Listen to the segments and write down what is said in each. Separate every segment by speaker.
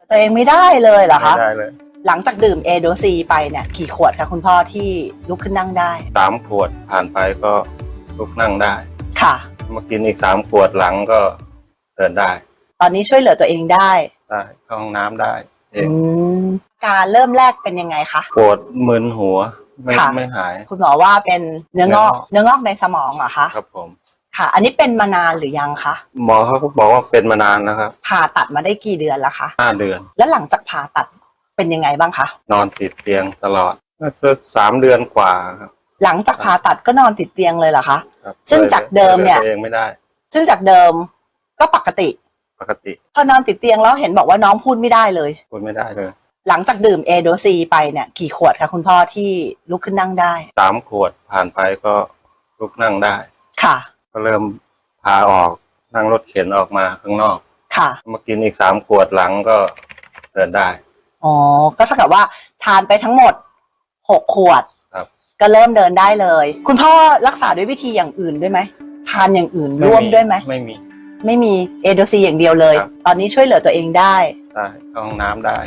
Speaker 1: ตัวเองไม่ได้เลยเหรอคะ
Speaker 2: ไม่ได้เลย
Speaker 1: หลังจากดื่มเอโดซีไปเนี่ยกี่ขวดคะคุณพ่อที่ลุกขึ้นนั่งได้
Speaker 2: 3 ขวดผ่านไปก็ลุกนั่งได้
Speaker 1: ค่ะ
Speaker 2: มากินอีก3 ขวดหลังก็เดินได้
Speaker 1: ตอนนี้ช่วยเหลือตัวเองได้
Speaker 2: เข้าห้องน้ำได้เอง
Speaker 1: อาการเริ่มแรกเป็นยังไงคะ
Speaker 2: ปวดมึนหัวไม่หาย
Speaker 1: คุณหมอว่าเป็นเนื้องอกในสมองเหรอคะ
Speaker 2: ครับผม
Speaker 1: ค่ะ อันนี้เป็นมานานหรือยังคะ
Speaker 2: หมอเขาก็บอกว่าเป็นมานานแล้วครับ
Speaker 1: ผ่าตัดมาได้กี่เดือนแล้วคะ
Speaker 2: 5 เดือน
Speaker 1: แล้วหลังจากผ่าตัดเป็นยังไงบ้างคะ
Speaker 2: นอนติดเตียงตลอดก็3 เดือนกว่าครับ
Speaker 1: หลังจากผ่าตัดก็นอนติดเตียงเลยเหรอคะซึ่งจากเดิมเนี่ย
Speaker 2: เองไม่ได้
Speaker 1: ซึ่งจากเดิมก็ปกติพอนอนติดเตียงแล้วเห็นบอกว่าน้องพูดไม่ได้เลย
Speaker 2: พูดไม่ได้เลย
Speaker 1: หลังจากดื่มเอโดซีไปเนี่ยกี่ขวดคะคุณพ่อที่ลุกขึ้นนั่งได้
Speaker 2: 3 ขวดผ่านไปก็ลุกนั่งได้
Speaker 1: ค่ะ
Speaker 2: ก็เริ่มพาออกนั่งรถเข็นออกมาข้างนอก
Speaker 1: ค่ะ
Speaker 2: มากินอีก3 ขวดหลังก็เดินได้
Speaker 1: อ๋อก็เท่ากับว่าทานไปทั้งหมด6 ขวด
Speaker 2: ครับ
Speaker 1: ก็เริ่มเดินได้เลยคุณพ่อรักษาด้วยวิธีอย่างอื่นด้วยไหมทานอย่างอื่นร่วมด้วยไหม
Speaker 2: ไม่
Speaker 1: มีเอโดซีอย่างเดียวเลยตอนนี้ช่วยเหลือตัวเองได้
Speaker 2: เข้าห้องน้ำได้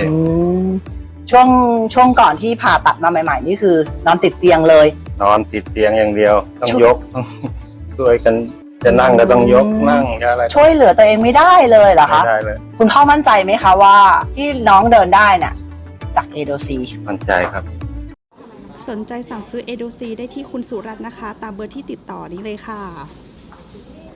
Speaker 1: ช่วงก่อนที่ผ่าตัดมาใหม่ๆนี่คือนอนติดเตียงเลย
Speaker 2: นอนติดเตียงอย่างเดียวต้องยกช่วยกันจะนั่งก็ต้องยกนั่งอะไร
Speaker 1: ช่วยเหลือตัวเองไม่ได้เลยเหรอคะ
Speaker 2: ไม่ได้เลย
Speaker 1: คุณพ่อมั่นใจไหมคะว่าที่น้องเดินได้น่ะจากเอโดซี
Speaker 2: มั่นใจครับ
Speaker 3: สนใจสั่งซื้อเอโดซีได้ที่คุณสุรัตน์นะคะตามเบอร์ที่ติดต่อนี้เลยค่ะ